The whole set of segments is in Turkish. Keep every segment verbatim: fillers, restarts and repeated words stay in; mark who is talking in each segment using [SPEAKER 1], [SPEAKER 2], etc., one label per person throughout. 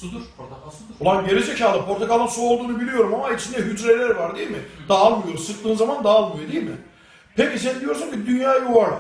[SPEAKER 1] Sudur, portakal sudur.
[SPEAKER 2] Ulan gerizekalı, portakalın su olduğunu biliyorum ama içinde hücreler var değil mi? Dağılmıyor, sıktığın zaman dağılmıyor değil mi? Peki sen diyorsun ki dünya yuvarlak.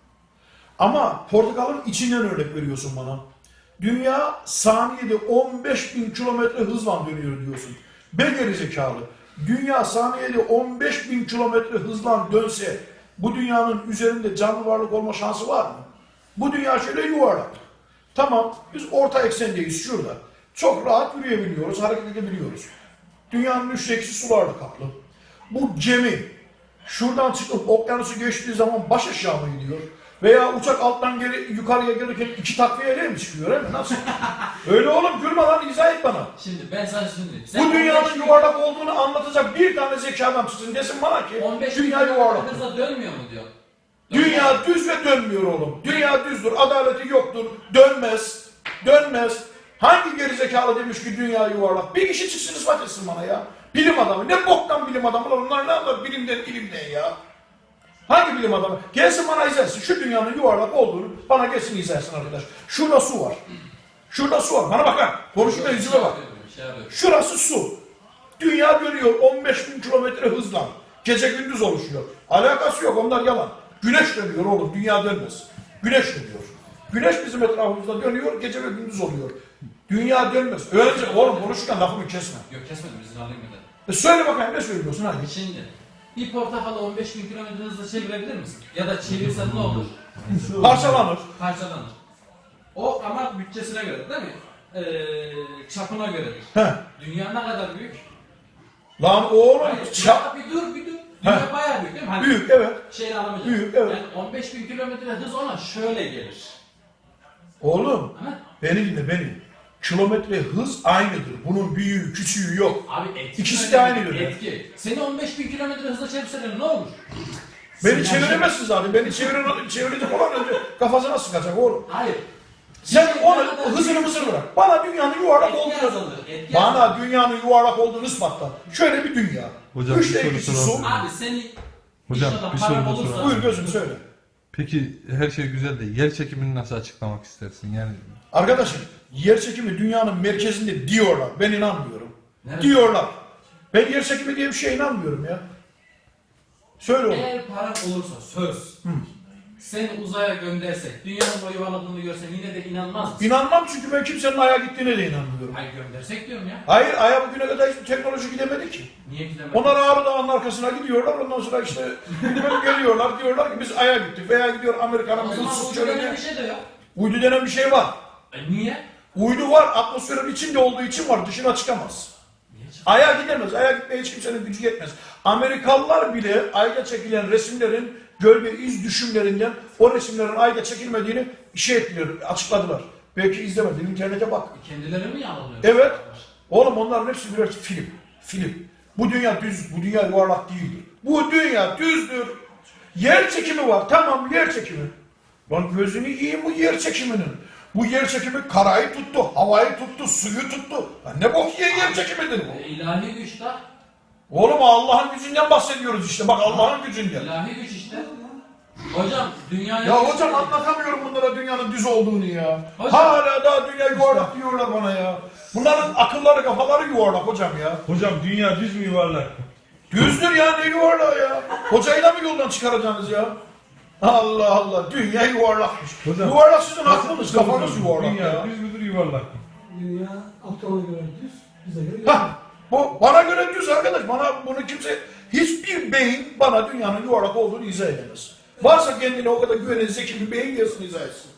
[SPEAKER 2] Ama portakalın içinden örnek veriyorsun bana. Dünya saniyede on beş bin kilometre hızla dönüyor diyorsun. Be gerizekalı. Dünya saniyede on beş bin kilometre hızla dönse bu dünyanın üzerinde canlı varlık olma şansı var mı? Bu dünya şöyle yuvarlak. Tamam, biz orta eksendeyiz şurada. Çok rahat yürüyebiliyoruz, hareket edebiliyoruz. Dünyanın üçte ikisi sularla kaplı. Bu gemi şuradan çıkıp okyanusu geçtiği zaman baş aşağı mı gidiyor? Veya uçak alttan geri, yukarıya gelirken iki takviyeyle mi çıkıyor değil mi? Nasıl? Öyle oğlum, gülme lan, izah et bana.
[SPEAKER 1] Şimdi ben sana şunu diyeyim. Sen
[SPEAKER 2] Bu dünyanın yuvarlak olduğunu anlatacak bir tane zeki adam çıksın desin bana ki dünya yuvarlak.
[SPEAKER 1] Hızla dönmüyor mu diyor.
[SPEAKER 2] Dünya düz ve dönmüyor oğlum. Dünya düzdür, adaleti yoktur, dönmez, dönmez. Hangi gerizekalı demiş ki dünya yuvarlak? Bir kişi çıksın ispat etsin bana ya. Bilim adamı. Ne boktan bilim adamı lan? Onlar ne anlar bilimden ilimden ya? Hangi bilim adamı? Gelsin bana izah etsin. Şu dünyanın yuvarlak olduğunu bana gelsin izah etsin arkadaş. Şurada su var. Şurada su var. Bana bakın. Konuşma yüzüme bak. Şurası su. Dünya dönüyor on beş bin kilometre hızla. Gece gündüz oluşuyor. Alakası yok, onlar yalan. Güneş dönüyor oğlum, dünya dönmez. Güneş dönüyor. Güneş bizim etrafımızda dönüyor, gece ve gündüz oluyor. Dünya dönmez. Öylece oğlum konuşurken lafımı kesme.
[SPEAKER 1] Yok kesmedim, izin alayım bir de.
[SPEAKER 2] E söyle bakayım, ne söylüyorsun hadi.
[SPEAKER 1] Şimdi bir portakalı on beş bin kilometre hızla çevirebilir misin? Ya da çevirsen ne olur?
[SPEAKER 2] Parçalanır.
[SPEAKER 1] Parçalanır. O ama bütçesine göre değil mi? Ee, çapına göredir.
[SPEAKER 2] Heh.
[SPEAKER 1] Dünya ne kadar büyük?
[SPEAKER 2] Lan oğlum
[SPEAKER 1] Hayır,
[SPEAKER 2] çap.
[SPEAKER 1] bir dur bir dur. Dünya
[SPEAKER 2] Heh.
[SPEAKER 1] bayağı büyük değil mi? Hani
[SPEAKER 2] Büyük evet.
[SPEAKER 1] şeyini alamayacak.
[SPEAKER 2] Büyük, evet.
[SPEAKER 1] Yani on beş bin kilometre hız ona şöyle gelir.
[SPEAKER 2] Oğlum
[SPEAKER 1] Ha?
[SPEAKER 2] beni dinle beni. Kilometre hız aynıdır. Bunun büyüğü küçüğü yok.
[SPEAKER 1] Abi etki.
[SPEAKER 2] İkisi de aynı göre.
[SPEAKER 1] Etki. Seni on beş bin kilometre hızla çevirseler ne olur?
[SPEAKER 2] Beni
[SPEAKER 1] Sinyal
[SPEAKER 2] çeviremezsin zaten. Beni çevirin, çevirecek olan önce kafasına sıkacak oğlum.
[SPEAKER 1] Hayır.
[SPEAKER 2] Sen
[SPEAKER 1] Bir
[SPEAKER 2] onu
[SPEAKER 1] kadar
[SPEAKER 2] hızını
[SPEAKER 1] büyük-
[SPEAKER 2] mısır bırak. Bana dünyanın yuvarlak
[SPEAKER 1] Etki
[SPEAKER 2] olduğunu
[SPEAKER 1] azalır. Etki
[SPEAKER 2] Bana
[SPEAKER 1] azalır.
[SPEAKER 2] dünyanın yuvarlak olduğunu ispatla. Şöyle bir dünya.
[SPEAKER 3] Hocam,
[SPEAKER 2] Üçte
[SPEAKER 3] bir soru
[SPEAKER 2] ikisi su.
[SPEAKER 3] soralım.
[SPEAKER 1] Abi seni
[SPEAKER 3] Hocam,
[SPEAKER 1] inşallah
[SPEAKER 3] bir
[SPEAKER 1] paran
[SPEAKER 3] soru da
[SPEAKER 1] olursa-
[SPEAKER 3] soralım.
[SPEAKER 2] Buyur gözüm söyle.
[SPEAKER 3] Peki her şey güzel de yer çekimini nasıl açıklamak istersin? Yani
[SPEAKER 2] Arkadaşım yer çekimi dünyanın merkezinde diyorlar. Ben inanmıyorum.
[SPEAKER 1] Nerede?
[SPEAKER 2] Diyorlar. Ben yer çekimi diye bir şeye inanmıyorum ya. Söyle oğlum.
[SPEAKER 1] Eğer paran olursa söz.
[SPEAKER 2] Hı.
[SPEAKER 1] Seni uzaya göndersek, dünyanın o yuvarladığını görsen yine de inanmaz mısın?
[SPEAKER 2] İnanmam çünkü ben kimsenin aya gittiğine de inanmıyorum.
[SPEAKER 1] Hayır göndersek diyorum ya.
[SPEAKER 2] Hayır, aya bugüne kadar hiçbir teknoloji gidemedi ki.
[SPEAKER 1] Niye gidemez?
[SPEAKER 2] Onlar Ağrı Dağı'nın arkasına gidiyorlar, ondan sonra işte böyle geliyorlar, diyorlar ki biz aya gittik veya gidiyor Amerika'nın
[SPEAKER 1] O
[SPEAKER 2] bizim
[SPEAKER 1] zaman
[SPEAKER 2] sus
[SPEAKER 1] uydu denen
[SPEAKER 2] çölüne.
[SPEAKER 1] bir şey de yok.
[SPEAKER 2] Uydu denen bir şey var.
[SPEAKER 1] E niye?
[SPEAKER 2] Uydu var, atmosferin içinde olduğu için var, dışına çıkamaz.
[SPEAKER 1] Niye çık-
[SPEAKER 2] Aya gidemez, aya gitmeye hiç kimsenin gücü yetmez. Amerikalılar bile ayda çekilen resimlerin gölge iz düşümlerinden o resimlerin ayda çekilmediğini şey ettiler, açıkladılar. Belki izlemedin, internete bak.
[SPEAKER 1] Kendileri mi yanılıyor?
[SPEAKER 2] Evet. Oğlum onların hepsi birer film. Film. Bu dünya düz, bu dünya yuvarlak değildir. Bu dünya düzdür. Yer çekimi var. Tamam yer çekimi. Lan gözünü yiyeyim bu yer çekiminin. Bu yer çekimi karayı tuttu, havayı tuttu, suyu tuttu. Lan ne bok yer, yer çekimidir bu?
[SPEAKER 1] E, ilahi güç de.
[SPEAKER 2] Oğlum Allah'ın gücünden bahsediyoruz işte. Bak Allah'ın gücünden.
[SPEAKER 1] İlahi güç işte. Hocam dünyaya...
[SPEAKER 2] Ya hocam anlatamıyorum bunlara dünyanın düz olduğunu ya.
[SPEAKER 1] Hocam-
[SPEAKER 2] Hala daha dünya yuvarlak diyorlar bana ya. Bunların akılları kafaları yuvarlak hocam ya.
[SPEAKER 4] Hocam dünya düz mü yuvarlak?
[SPEAKER 2] Düzdür ya ne yuvarlağı ya. Hocayı da mı yoldan çıkaracaksınız ya? Allah Allah dünya yuvarlakmış.
[SPEAKER 4] Hocam-
[SPEAKER 2] Yuvarlak sizin aklınız kafanız yuvarlak
[SPEAKER 4] Dünya
[SPEAKER 2] ya.
[SPEAKER 4] düz müdür yuvarlak mı?
[SPEAKER 5] Dünya Aptal'a göre düz, bize göre yuvarlak.
[SPEAKER 2] Hah, bu bana göre düz arkadaş. Bana bunu kimse hiçbir beyin bana dünyanın yuvarlak olduğunu izah edemez. Varsa kendine o kadar güvenen zeki bir beyin gelsin izah etsin.